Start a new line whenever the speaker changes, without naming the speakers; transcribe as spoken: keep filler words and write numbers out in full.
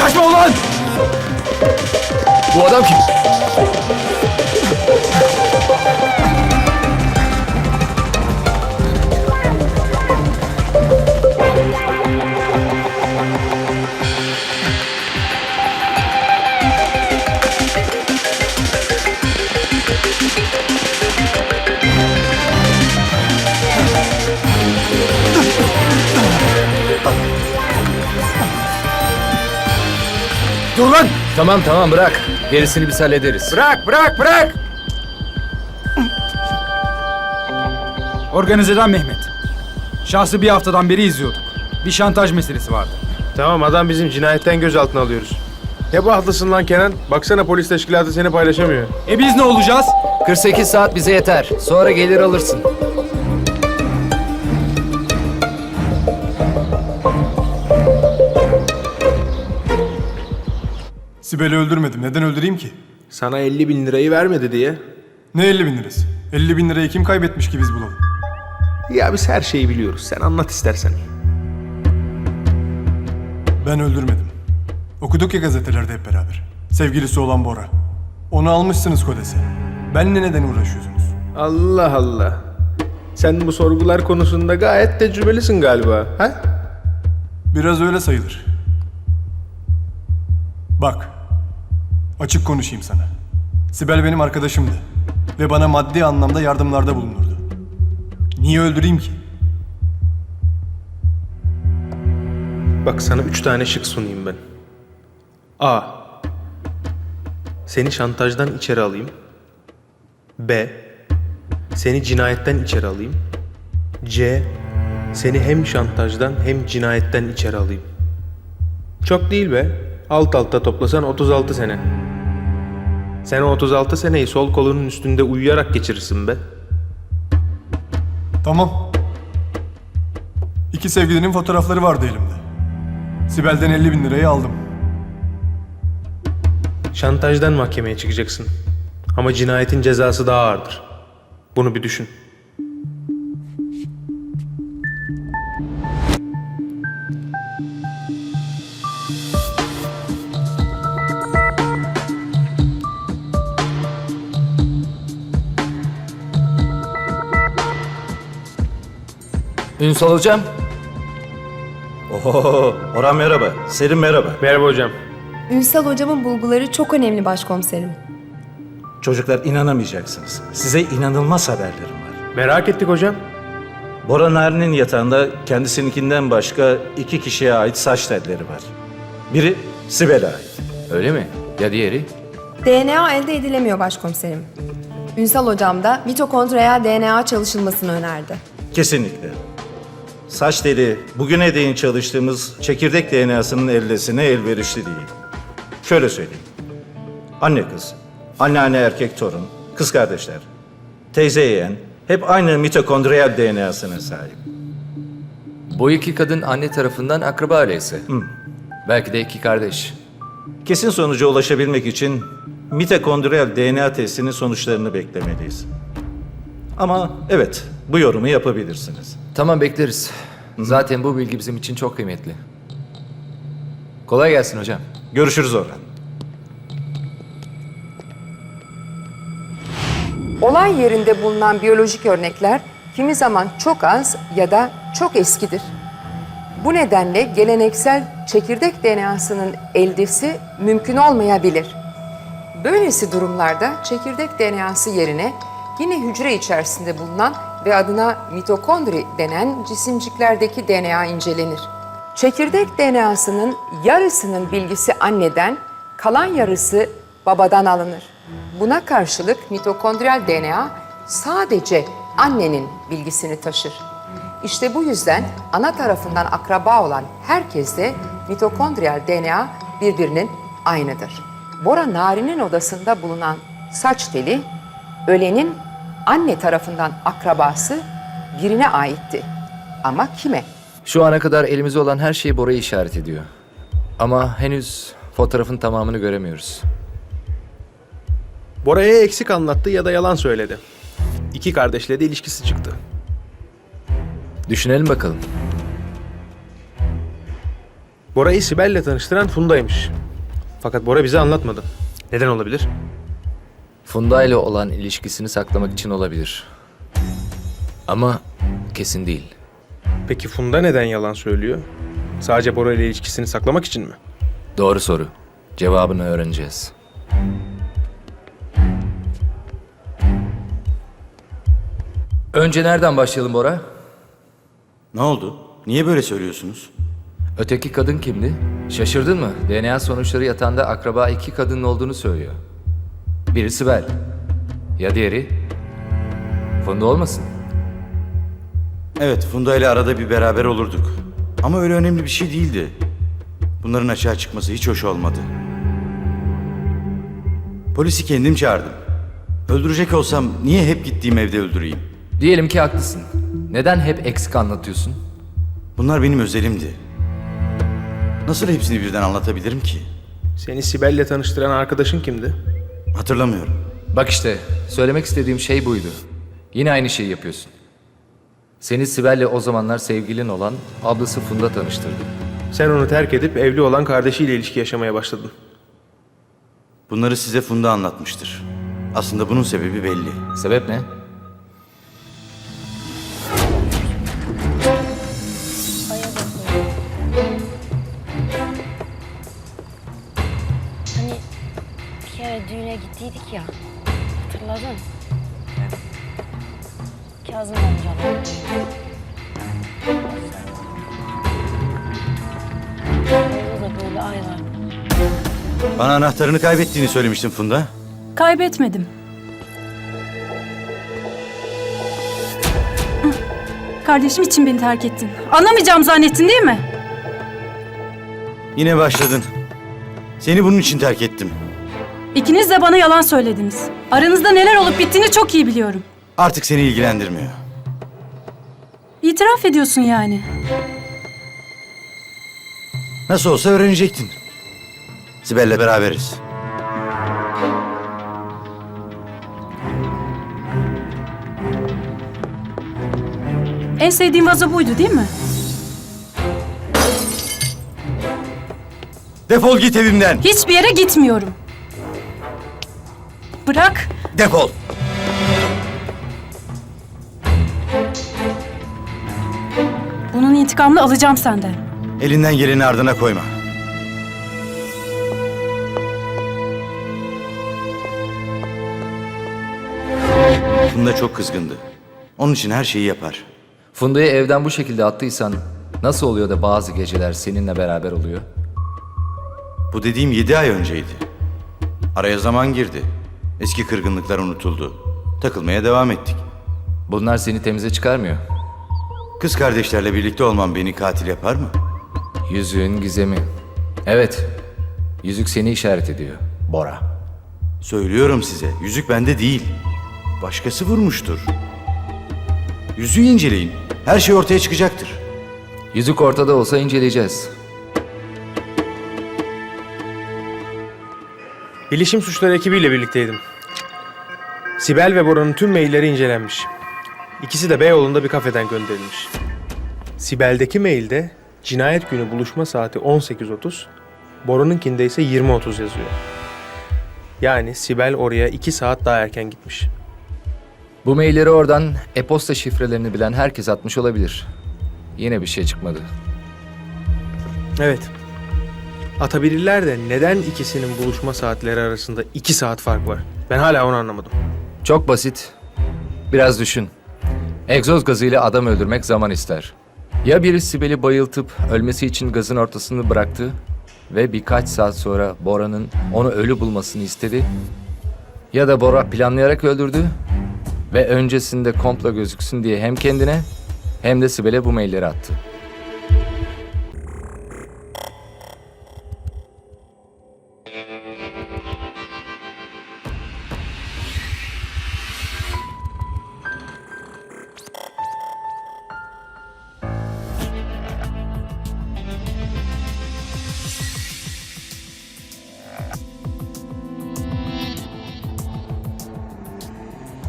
Yaklaşma ulan!
Bu adam kim?
Dur lan!
Tamam tamam bırak. Gerisini biz hallederiz.
Bırak, bırak, bırak! Organizeden Mehmet. Şahsı bir haftadan beri izliyorduk. Bir şantaj meselesi vardı.
Tamam, adam bizim cinayetten gözaltına alıyoruz. Ne bahtısın lan Kenan? Baksana polis teşkilatı seni paylaşamıyor.
E biz ne olacağız?
kırk sekiz saat bize yeter. Sonra gelir alırsın.
Sibel'i öldürmedim. Neden öldüreyim ki?
Sana elli bin lirayı vermedi diye.
Ne elli bin lirası? elli bin lirayı kim kaybetmiş ki biz bulalım?
Ya biz her şeyi biliyoruz. Sen anlat istersen.
Ben öldürmedim. Okuduk ya gazetelerde hep beraber. Sevgilisi olan Bora. Onu almışsınız Kodes'e. Benle neden uğraşıyorsunuz?
Allah Allah. Sen bu sorgular konusunda gayet tecrübelisin galiba. Ha?
Biraz öyle sayılır. Bak. Açık konuşayım sana. Sibel benim arkadaşımdı. Ve bana maddi anlamda yardımlarda bulunurdu. Niye öldüreyim ki?
Bak sana üç tane şık sunayım ben. A. Seni şantajdan içeri alayım. B. Seni cinayetten içeri alayım. C. Seni hem şantajdan hem cinayetten içeri alayım. Çok değil be. Alt alta toplasan otuz altı sene. Sen o otuz altı seneyi sol kolunun üstünde uyuyarak geçirirsin be.
Tamam. İki sevgilinin fotoğrafları vardı elimde. Sibel'den elli bin lirayı aldım.
Şantajdan mahkemeye çıkacaksın. Ama cinayetin cezası daha ağırdır. Bunu bir düşün.
Ünsal hocam.
Oho, Orhan merhaba. Selim merhaba.
Merhaba hocam.
Ünsal hocamın bulguları çok önemli başkomiserim.
Çocuklar inanamayacaksınız. Size inanılmaz haberlerim var.
Merak ettik hocam.
Bora Narin'in yatağında kendisininkinden başka iki kişiye ait saç telleri var. Biri Sibel'e ait.
Öyle mi? Ya diğeri?
D N A elde edilemiyor başkomiserim. Ünsal hocam da mitokondriyal D N A çalışılmasını önerdi.
Kesinlikle. Saç teli bugüne değin çalıştığımız çekirdek D N A'sının eldesine elverişli değil. Şöyle söyleyeyim. Anne kız, anneanne erkek torun, kız kardeşler, teyze yeğen hep aynı mitokondriyal D N A'sına sahip.
Bu iki kadın anne tarafından akraba ailesi. Belki de iki kardeş.
Kesin sonuca ulaşabilmek için mitokondriyal D N A testinin sonuçlarını beklemeliyiz. Ama evet, bu yorumu yapabilirsiniz.
Tamam bekleriz. Zaten bu bilgi bizim için çok kıymetli. Kolay gelsin hocam.
Görüşürüz Orhan.
Olay yerinde bulunan biyolojik örnekler kimi zaman çok az ya da çok eskidir. Bu nedenle geleneksel çekirdek D N A'sının eldesi mümkün olmayabilir. Böylesi durumlarda çekirdek D N A'sı yerine yine hücre içerisinde bulunan ve adına mitokondri denen cisimciklerdeki D N A incelenir. Çekirdek D N A'sının yarısının bilgisi anneden, kalan yarısı babadan alınır. Buna karşılık mitokondriyal D N A sadece annenin bilgisini taşır. İşte bu yüzden ana tarafından akraba olan herkeste mitokondriyal D N A birbirinin aynıdır. Bora Narin'in odasında bulunan saç teli, ölenin anne tarafından akrabası birine aitti. Ama kime?
Şu ana kadar elimizde olan her şey Bora'yı işaret ediyor. Ama henüz fotoğrafın tamamını göremiyoruz.
Bora'ya eksik anlattı ya da yalan söyledi. İki kardeşle de ilişkisi çıktı.
Düşünelim bakalım.
Bora'yı Sibel'le tanıştıran Funda'ymış. Fakat Bora bize anlatmadı. Neden olabilir?
Funda ile olan ilişkisini saklamak için olabilir. Ama kesin değil.
Peki Funda neden yalan söylüyor? Sadece Bora ile ilişkisini saklamak için mi?
Doğru soru. Cevabını öğreneceğiz. Önce nereden başlayalım Bora?
Ne oldu? Niye böyle söylüyorsunuz?
Öteki kadın kimdi? Şaşırdın mı? D N A sonuçları yatağında akraba iki kadının olduğunu söylüyor. Biri Sibel. Ya diğeri? Funda olmasın?
Evet, Funda ile arada bir beraber olurduk. Ama öyle önemli bir şey değildi. Bunların açığa çıkması hiç hoş olmadı. Polisi kendim çağırdım. Öldürecek olsam niye hep gittiğim evde öldüreyim?
Diyelim ki haklısın. Neden hep eksik anlatıyorsun?
Bunlar benim özelimdi. Nasıl hepsini birden anlatabilirim ki?
Seni Sibel'le tanıştıran arkadaşın kimdi?
Hatırlamıyorum.
Bak işte, söylemek istediğim şey buydu. Yine aynı şeyi yapıyorsun. Seni Sibel'le o zamanlar sevgilin olan ablası Funda tanıştırdı.
Sen onu terk edip evli olan kardeşiyle ilişki yaşamaya başladın.
Bunları size Funda anlatmıştır. Aslında bunun sebebi belli.
Sebep ne?
Hani bir kere düğüne gittiydik ya. Hatırladın? Kazım amcalar. Orada da böyle ay var.
Bana anahtarını kaybettiğini söylemiştin Funda.
Kaybetmedim. Kardeşim için beni terk ettin. Anlamayacağım zannettin değil mi?
Yine başladın. Seni bunun için terk ettim.
İkiniz de bana yalan söylediniz. Aranızda neler olup bittiğini çok iyi biliyorum.
Artık seni ilgilendirmiyor.
İtiraf ediyorsun yani.
Nasıl olsa öğrenecektin. Sibel'le beraberiz.
En sevdiğim vazo buydu değil mi?
Defol git evimden.
Hiçbir yere gitmiyorum. Bırak.
Defol.
Bunun intikamını alacağım senden.
Elinden geleni ardına koyma. Funda çok kızgındı. Onun için her şeyi yapar.
Funda'yı evden bu şekilde attıysan nasıl oluyor da bazı geceler seninle beraber oluyor?
Bu dediğim yedi ay önceydi. Araya zaman girdi. Eski kırgınlıklar unutuldu. Takılmaya devam ettik.
Bunlar seni temize çıkarmıyor.
Kız kardeşlerle birlikte olmam beni katil yapar mı?
Yüzüğün gizemi. Evet, yüzük seni işaret ediyor, Bora.
Söylüyorum size, yüzük bende değil. Başkası vurmuştur. Yüzüğü inceleyin. Her şey ortaya çıkacaktır.
Yüzük ortada olsa inceleyeceğiz.
Bilişim suçları ekibiyle birlikteydim. Sibel ve Bora'nın tüm mailleri incelenmiş. İkisi de Beyoğlu'nda bir kafeden gönderilmiş. Sibel'deki mailde cinayet günü buluşma saati on sekiz otuz, Bora'nınkinde ise yirmi otuz yazıyor. Yani Sibel oraya iki saat daha erken gitmiş.
Bu mailleri oradan e-posta şifrelerini bilen herkes atmış olabilir. Yine bir şey çıkmadı.
Evet. Atabilirler de neden ikisinin buluşma saatleri arasında iki saat fark var? Ben hala onu anlamadım.
Çok basit. Biraz düşün. Egzoz gazıyla adam öldürmek zaman ister. Ya biri Sibel'i bayıltıp ölmesi için gazın ortasını bıraktı ve birkaç saat sonra Bora'nın onu ölü bulmasını istedi. Ya da Bora planlayarak öldürdü ve öncesinde komplo gözüksün diye hem kendine hem de Sibel'e bu mailleri attı.